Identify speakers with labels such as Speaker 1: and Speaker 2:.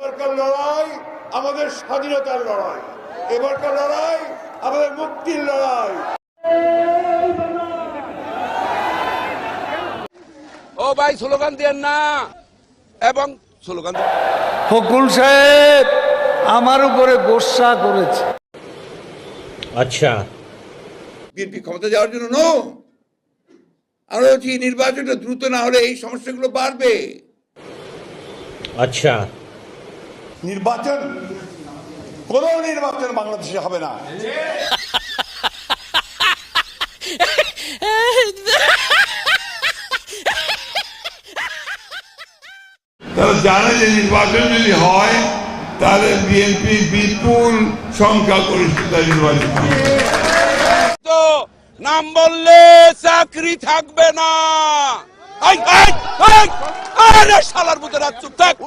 Speaker 1: এবারকার লড়াই আমাদের স্বাধীনতার লড়াই, এবারকার লড়াই আমাদের মুক্তির লড়াই।
Speaker 2: ও ভাই স্লোগান দেন না, এবং স্লোগান
Speaker 3: ফকুল সাহেব আমার উপরে গোসা করেছে।
Speaker 4: আচ্ছা,
Speaker 1: বিএনপি ক্ষমতা যাওয়ার জন্য নো, আমরা বলছি নির্বাচনটা দ্রুত না হলে এই সমস্যাগুলো বাড়বে।
Speaker 4: আচ্ছা,
Speaker 1: কোন নির্বাচন বাংলাদেশে হবে না। তারা জানে যে নির্বাচন যদি হয় তাহলে বিএনপি বিপুল সংখ্যাগরিষ্ঠতা নির্বাচন
Speaker 2: তো নাম বললে চাকরি থাকবে না। আরে শালার মতো রাত চুপ থাক।